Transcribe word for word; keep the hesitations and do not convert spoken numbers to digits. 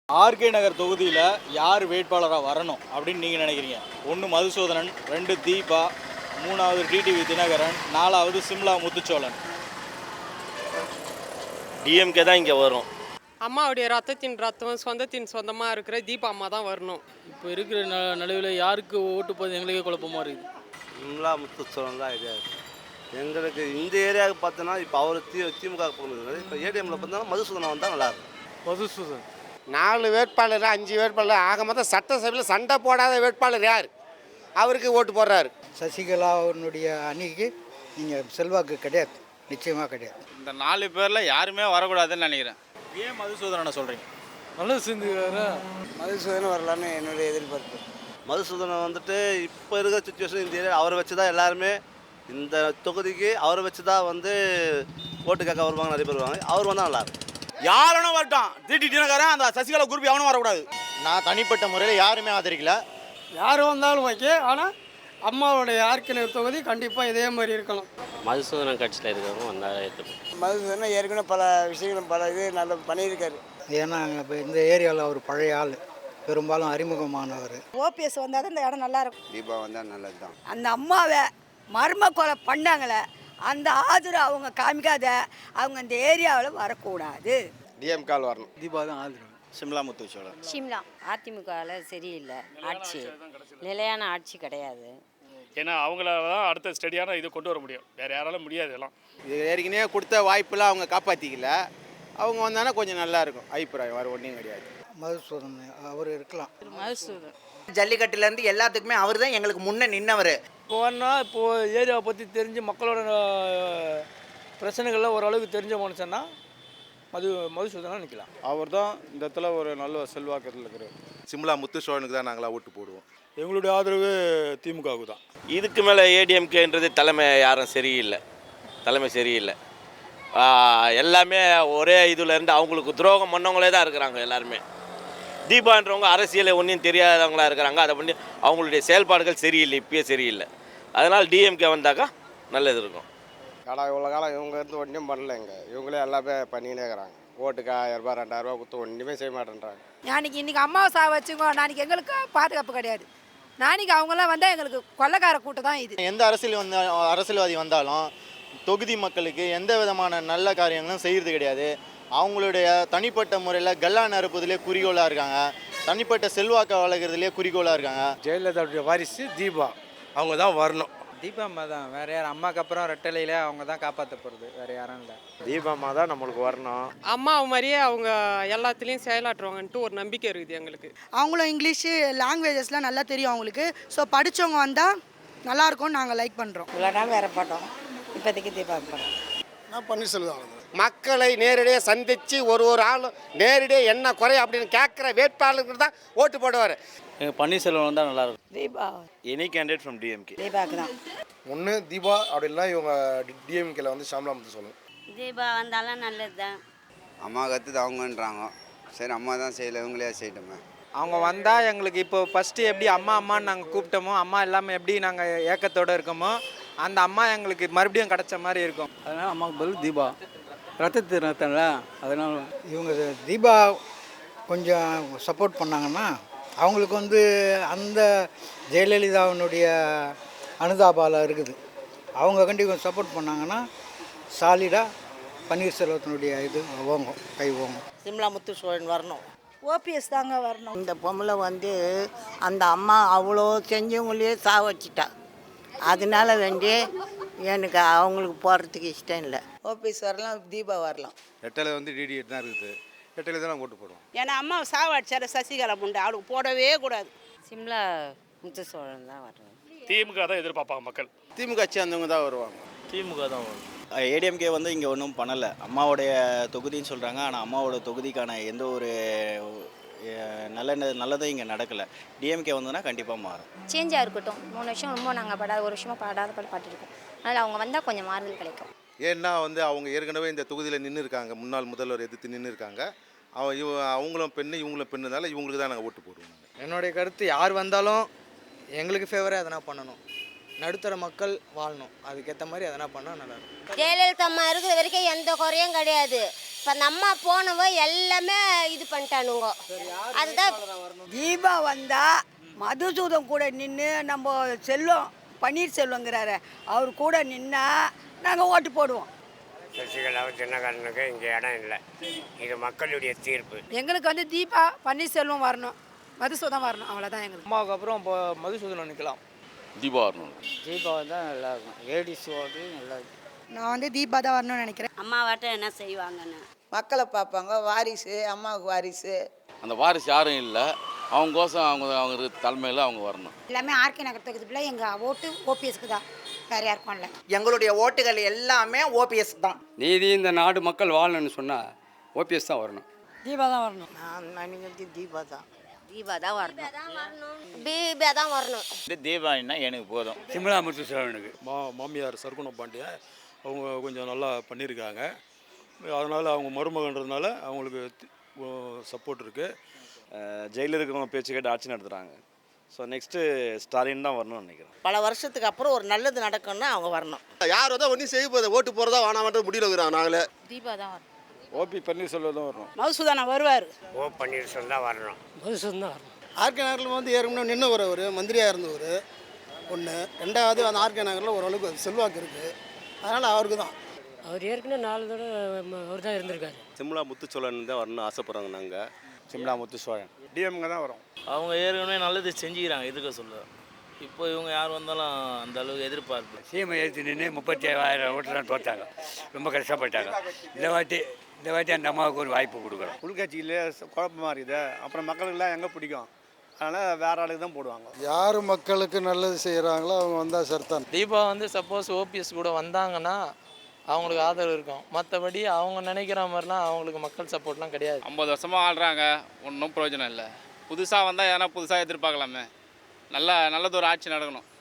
RK நகர் தொகுதியில் யார் வேட்பாளராக வரணும் அப்படின்னு நீங்கள் நினைக்கிறீங்க? ஒன்று மதுசூதனன், ரெண்டு தீபா, மூணாவது டிடிவி தினகரன், நாலாவது சிம்லா முத்துச்சோழன். டிஎம்கே தான் இங்கே வரும். அம்மாவுடைய ரத்தத்தின் ரத்தம் சொந்தத்தின் சொந்தமாக இருக்கிற தீபா அம்மா தான் வரணும். இப்போ இருக்கிற ந நடுவில் யாருக்கு ஓட்டு போது எங்களுக்கே குழப்பமாக இருக்குது. சிம்லா முத்துச்சோழன் தான் ஐடியா இருக்குது எங்களுக்கு. இந்த ஏரியாவுக்கு பார்த்தோன்னா இப்போ அவர் தி திமுக போகிறது. இப்போ ஏடிஎம்மில் பார்த்தோன்னா மதுசூதனம் வந்தால் நல்லாயிருக்கும். மதுசூதன் நாலு வேட்பாளர் அஞ்சு வேட்பாளர் ஆக மொத்தம் சட்டசபையில் சண்டை போடாத வேட்பாளர் யார்? அவருக்கு ஓட்டு போடுறாரு. சசிகலாவுடைய அணிக்கு நீங்கள் செல்வாக்கு கிடையாது, நிச்சயமாக கிடையாது. இந்த நாலு பேரில் யாருமே வரக்கூடாதுன்னு நினைக்கிறேன். ஏன் மதுசூதனனை சொல்கிறீங்க? நல்லது செஞ்சுக்கிறாரு. மதுசூதனம் வரலான்னு என்னுடைய எதிர்பார்ப்பு. மதுசூதனம் வந்துட்டு இப்போ இருக்கிற சுச்சுவேஷன் இந்த ஏரியா அவரை வச்சு தான் எல்லாருமே இந்த தொகுதிக்கு அவரை வச்சு தான் வந்து ஓட்டு கேட்க வருவாங்க, நிறைய பேர் வருவாங்க. அவர் வந்தால் நல்லாயிருக்கும். யாரும் வரட்டும், டிடி தினகரன் அந்த சசிகலா குரூப் எவனும் வரக்கூடாது. நான் தனிப்பட்ட முறையில் யாருமே ஆதரிக்கல. யார் வந்தாலும் ஓகே, ஆனால் அம்மாவுடைய ஆர்கே நகர் தொகுதி கண்டிப்பாக இதே மாதிரி இருக்கணும். மதுசூதனம் கட்சியில் இருக்கிறவங்க வந்தால் ஏற்றுப்போம். மதுசூதனம் ஏற்கனவே பல விஷயங்களும் பல இது நல்ல பண்ணியிருக்காரு. ஏன்னா இப்போ இந்த ஏரியாவில் அவர் பழைய ஆள், பெரும்பாலும் அறிமுகமானவர். ஓபிஎஸ் வந்தால் தான் இந்த இடம் நல்லா இருக்கும். தீபா வந்தால் நல்லது தான். அந்த அம்மாவை மர்ம கொலை பண்ணாங்களே, அந்த ஆதரவு அவங்க காமிக்காத, அவங்க இந்த ஏரியாவில் வரக்கூடாது. டிஎம்கால் வரணும். தீபா தான் ஆதரவு. சிம்லா முத்துச்சோழன். சிம்லா அதிமுகவில் சரியில்லை ஆட்சி, நிலையான ஆட்சி கிடையாது. ஏன்னா அவங்கள தான் அடுத்த ஸ்டடியான இது கொண்டு வர முடியும், வேறு யாராலும் முடியாது. எல்லாம் இது ஏற்கனவே கொடுத்த வாய்ப்பெல்லாம் அவங்க காப்பாற்றிக்கல. அவங்க வந்தாங்கன்னா கொஞ்சம் நல்லா இருக்கும். அபிப்பிராயம் வேறு ஒன்றும் கிடையாது. மதுசூதன் அவர் இருக்கலாம். மதுசூதன் ஜல்லிக்கட்டுலேருந்து எல்லாத்துக்குமே அவர் தான் எங்களுக்கு முன்னே நின்னவர். இப்போ வேணா இப்போது ஏரியாவை பற்றி தெரிஞ்சு மக்களோட பிரச்சனைகள்லாம் ஓரளவுக்கு தெரிஞ்ச மனுஷன்னா மது மதுசூதனாக நிற்கலாம். அவர் தான் இந்த இடத்துல ஒரு நல்ல செல்வாக்கத்தில் இருக்கிறார். சிம்லா முத்துச்சோழனுக்கு தான் நாங்களாம் ஓட்டு போடுவோம். எங்களுடைய ஆதரவு திமுகவுக்கு தான். இதுக்கு மேலே ஏடிஎம்கேன்றது தலைமை யாரும் சரியில்லை, தலைமை சரியில்லை. எல்லாமே ஒரே இதில் இருந்து அவங்களுக்கு துரோகம் பண்ணவங்களே தான் இருக்கிறாங்க எல்லாருமே. தீபான்றவங்க அரசியலை ஒன்றும் தெரியாதவங்களாக இருக்கிறாங்க. அதை பண்ணி அவங்களுடைய செயல்பாடுகள் சரியில்லை, இப்பயே சரியில்லை. அதனால் டிஎம்கே வந்தாக்கா நல்லது இருக்கும். கடை இவ்வளோ காலம் இவங்க இருந்து ஒன்றும் பண்ணலைங்க. இவங்களே எல்லாமே பண்ணிக்கினே இருக்கிறாங்க. ஓட்டுக்கு ஆயிரம் ரூபாய் ரெண்டாயிரம் ரூபா கொடுத்து ஒன்றுமே செய்ய மாட்டேன்றாங்க. நாளைக்கு இன்றைக்கி அம்மாவை சா வச்சுக்கோ, நாளைக்கு எங்களுக்கு பாதுகாப்பு கிடையாது. நாளைக்கு அவங்களாம் வந்தால் எங்களுக்கு கொள்ளைக்கார கூட்டம் தான் இது. எந்த அரசியல் வந்த அரசியல்வாதி வந்தாலும் தொகுதி மக்களுக்கு எந்த விதமான நல்ல காரியங்களும் செய்கிறது கிடையாது. அவங்களுடைய தனிப்பட்ட முறையில் கல்லா நறுப்பதிலே குறிக்கோளாக இருக்காங்க, தனிப்பட்ட செல்வாக்கை வளர்க்குறதுலேயே குறிக்கோளாக இருக்காங்க. ஜெயலலிதாவுடைய வாரிசு தீபா, அவங்க தான் வரணும். தீபா அம்மா தான், வேறு யார்? அம்மாவுக்கு அப்புறம் ரெட்டலையில் அவங்க தான் காப்பாற்ற போகிறது, வேறு யாரும் இல்லை. தீபா அம்மா தான் நம்மளுக்கு வரணும். அம்மா மாதிரியே அவங்க எல்லாத்துலேயும் செயலாற்றுவாங்கன்ட்டு ஒரு நம்பிக்கை இருக்குது எங்களுக்கு. அவங்களும் இங்கிலீஷு லாங்குவேஜஸ்லாம் நல்லா தெரியும் அவங்களுக்கு. ஸோ படித்தவங்க வந்தால் நல்லாயிருக்கும்னு நாங்கள் லைக் பண்ணுறோம். இவ்வளோ நாள் வேறு போட்டோம், இப்போதைக்கு தீபா போகிறோம். நான் பன்னீர்செல்வம். மக்களை நேரடியாக சந்தித்து ஒரு ஒரு ஆளும் நேரடியாக என்ன குறை அப்படின்னு கேட்குற வேட்பாளருக்கு தான் ஓட்டு போடுவார். எங்கள் பன்னீர்செல்வம் வந்தால் நல்லாயிருக்கும். Deepa any candidate from DMK. தீபாவுக்கு தான். ஒன்று தீபா அப்படின்னா இவங்க டிஎம்கேல வந்து ஷாம்லா முத்து சொல்லணும். தீபா வந்தாலும் நல்லது தான். அம்மா கற்றுது அவங்கன்றாங்க. சரி அம்மா தான் செய்யலை, இவங்களே செய்யட்டுமே. அவங்க வந்தால் எங்களுக்கு இப்போ ஃபஸ்ட்டு எப்படி அம்மா அம்மான்னு நாங்கள் கூப்பிட்டோமோ, அம்மா இல்லாமல் எப்படி நாங்கள் ஏக்கத்தோடு இருக்கோமோ, அந்த அம்மா எங்களுக்கு மறுபடியும் கிடச்ச மாதிரி இருக்கும். அதனால் அம்மாவுக்கு பதில் தீபா. ரத்தத்து ரத்தம்ல, அதனால் இவங்க தீபா கொஞ்சம் சப்போர்ட் பண்ணாங்கன்னா அவங்களுக்கு வந்து அந்த ஜெயலலிதாவினுடைய அனுதாபால இருக்குது. அவங்க கண்டி கொஞ்சம் சப்போர்ட் பண்ணாங்கன்னா சாலிடாக பன்னீர்செல்வத்தினுடைய இது ஓங்கும், கை ஓங்கும். சிம்லா முத்துச்சோழன் வரணும். ஓபிஎஸ் தாங்க வரணும். இந்த பொம்பளை வந்து அந்த அம்மா அவ்வளோ செஞ்சவங்களையே சாவச்சிட்டா. அதனால வேண்டி எனக்கு அவங்களுக்கு போகிறதுக்கு இஷ்டம் இல்லை. ஓபிஎஸ் வரலாம், தீபா வரலாம். ரெட்டலை வந்து டிடி தான் இருக்குது. ரெட்டலை தான் நாங்கள் ஓட்டு போடுவோம். ஏன்னா அம்மா சாவடிச்சார சசிகலா முண்டை, அவளுக்கு போடவே கூடாது. சிம்லா முத்துச்சோழன் தான் வரணும். திமுக தான் எதிர்பார்ப்பாங்க மக்கள். திமுக கட்சி அந்தவங்க தான் வருவாங்க. திமுக தான் வரும். ஏடிஎம்கே வந்து இங்கே ஒன்றும் பண்ணலை. அம்மாவுடைய தொகுதின்னு சொல்கிறாங்க, ஆனால் அம்மாவோட தொகுதிக்கான எந்த ஒரு நல்ல நல்லதும் இங்கே நடக்கலை. டிஎம்கே வந்ததுன்னா கண்டிப்பாக மாறும். சேஞ்சாக இருக்கட்டும். மூணு வருஷம் ரொம்ப நாங்கள் படாத ஒரு வருஷமாக படாத பாடு பாட்டுருக்கோம். அதனால் அவங்க வந்தால் கொஞ்சம் மாறுதல் கிடைக்கும். ஏன்னா வந்து அவங்க ஏற்கனவே இந்த தொகுதியில் நின்று இருக்காங்க, முன்னாள் முதல்வர் எதிர்த்து நின்று இருக்காங்க. அவ இவ அவங்களும் பெண்ணு இவங்களும் பெண்ணுனால இவங்களுக்கு தான் நாங்கள் ஓட்டு போடுவோம். என்னுடைய கருத்து, யார் வந்தாலும் எங்களுக்கு ஃபேவராக எதனா பண்ணணும், நடுத்தர மக்கள் வாழணும், அதுக்கேற்ற மாதிரி எதனா பண்ணால் நல்லாயிருக்கும். ஜெயலலிதா அம்மா இருக்கிற வரைக்கும் எந்த குறையும் கிடையாது. இப்போ அந்த அம்மா போனவோ எல்லாமே இது பண்ணிட்டானுங்க. அதுதான் தீபா வந்தால் மதுசூதன் கூட நின்று நம்ம செல்வம் பன்னீர்செல்வங்கிறாரு அவர் கூட நின்னா நாங்கள் ஓட்டு போடுவோம். சசிகலாவும் தினகரனுக்கு இங்கே இடம் இல்லை. இது மக்களுடைய தீர்ப்பு. எங்களுக்கு வந்து தீபா பன்னீர்செல்வம் வரணும், மதுசூதன் வரணும், அவ்வளோதான் எங்களுக்கு. அம்மாவுக்கு அப்புறம் இப்போ மதுசூதனம் நிற்கலாம். தீபா வரணும். தீபா தான் நல்லா இருக்கும். ஏடிசி ஓட்டு நல்லா இருக்கும். நான் வந்து தீபா தான் வரணும்னு நினைக்கிறேன். அம்மாவாட்டம் என்ன செய்வாங்கன்னு மக்களை பார்ப்பாங்க. வாரிசு, அம்மாவுக்கு வாரிசு. அந்த வாரிசு யாரும் இல்லை, அவங்கோசம் அவங்க அவங்க தலைமையில் அவங்க வரணும். எல்லாமே ஆர்கே நகர் தொகுதியில் எங்கள் ஓட்டு ஓபிஎஸ்க்கு தான், வேறு யாருக்கும் இல்லை. எங்களுடைய ஓட்டுகள் எல்லாமே ஓபிஎஸ் தான். நீதி இந்த நாடு மக்கள் வாழணும்னு சொன்னால் ஓபிஎஸ் தான் வரணும். தீபா தான் வரணும். நான் நினைக்கிறது தீபா தான். தீபா தான் வரணும். தீபா தான் வரணும். தீபாவளின்னா எனக்கு போதும். சிம்லா முத்துசோழனுக்கு மா மாமியார் சர்க்குணம் பாண்டியன் அவங்க கொஞ்சம் நல்லா பண்ணியிருக்காங்க. அதனால் அவங்க மருமகன்றதுனால அவங்களுக்கு சப்போர்ட் இருக்குது. ஜெயிலில் இருக்கிறவங்க பேச்சு கேட்டு ஆட்சி நடத்துகிறாங்க. ஸோ நெக்ஸ்ட்டு ஸ்டாலின் தான் வரணும்னு நினைக்கிறேன். பல வருஷத்துக்கு அப்புறம் ஒரு நல்லது நடக்கும்னா அவங்க வரணும். யார் வந்தால் ஒன்றும் செய்ய போகுது, ஓட்டு போகிறதா வேணாமன்ற முடியல இருக்கிறாங்க. நாங்களே தீபா தான் வரணும். ஓபி பன்னீர்செல்வம் தான் வரணும். மதுசூதனம் வருவார். ஓ பன்னீர்செல்வம் தான் வரணும். மதுசூதன் தான் வரணும். ஆர்கே நகரில் வந்து ஏற்கனவே நின்று வரவர் மந்திரியாக இருந்தவர் ஒன்று. ரெண்டாவது அந்த ஆர்கே நகரில் ஓரளவுக்கு செல்வாக்கு இருக்குது, அதனால் அவருக்கு தான். அவர் ஏற்கனவே நாலு தடவை அவர் தான் இருந்திருக்காரு. சிம்லா முத்துச்சோழன் தான் வரணும்னு ஆசைப்படுறாங்க. நாங்கள் சிம்லா முத்துசோழன் டிஎம்கே தான் வரும். அவங்க ஏற்கனவே நல்லது செஞ்சுக்கிறாங்க, எதுக்க சொல்ல. இப்போ இவங்க யார் வந்தாலும் அந்த அளவுக்கு எதிர்பார்ப்பு. சிஎம் எழுத்து நின்று முப்பத்தி ஏழாயிரம் ஓட்டுலாம் தோற்றாங்க. ரொம்ப கஷ்டப்பட்டாங்க. இந்த வாட்டி இந்த வாட்டி அந்த அம்மாவுக்கு ஒரு வாய்ப்பு கொடுக்குறோம். உள்கட்சியில் குழப்பமாக இருக்குது. அப்புறம் மக்களுக்கெல்லாம் எங்கே பிடிக்கும், அதனால் வேற ஆளுக்கு தான் போடுவாங்க. யார் மக்களுக்கு நல்லது செய்கிறாங்களோ அவங்க வந்தால் சரிதான். தீபா வந்து சப்போஸ் ஓபிஎஸ் கூட வந்தாங்கன்னா அவங்களுக்கு ஆதரவு இருக்கும். மற்றபடி அவங்க நினைக்கிற மாதிரிலாம் அவங்களுக்கு மக்கள் சப்போர்ட்லாம் கிடையாது. ஐம்பது வருஷமாக ஆள்றாங்க, ஒன்றும் பிரயோஜனம் இல்லை. புதுசாக வந்தால் எதனா புதுசாக எதிர்பார்க்கலாமே. நல்லா நல்லது ஒரு ஆட்சி நடக்கணும்.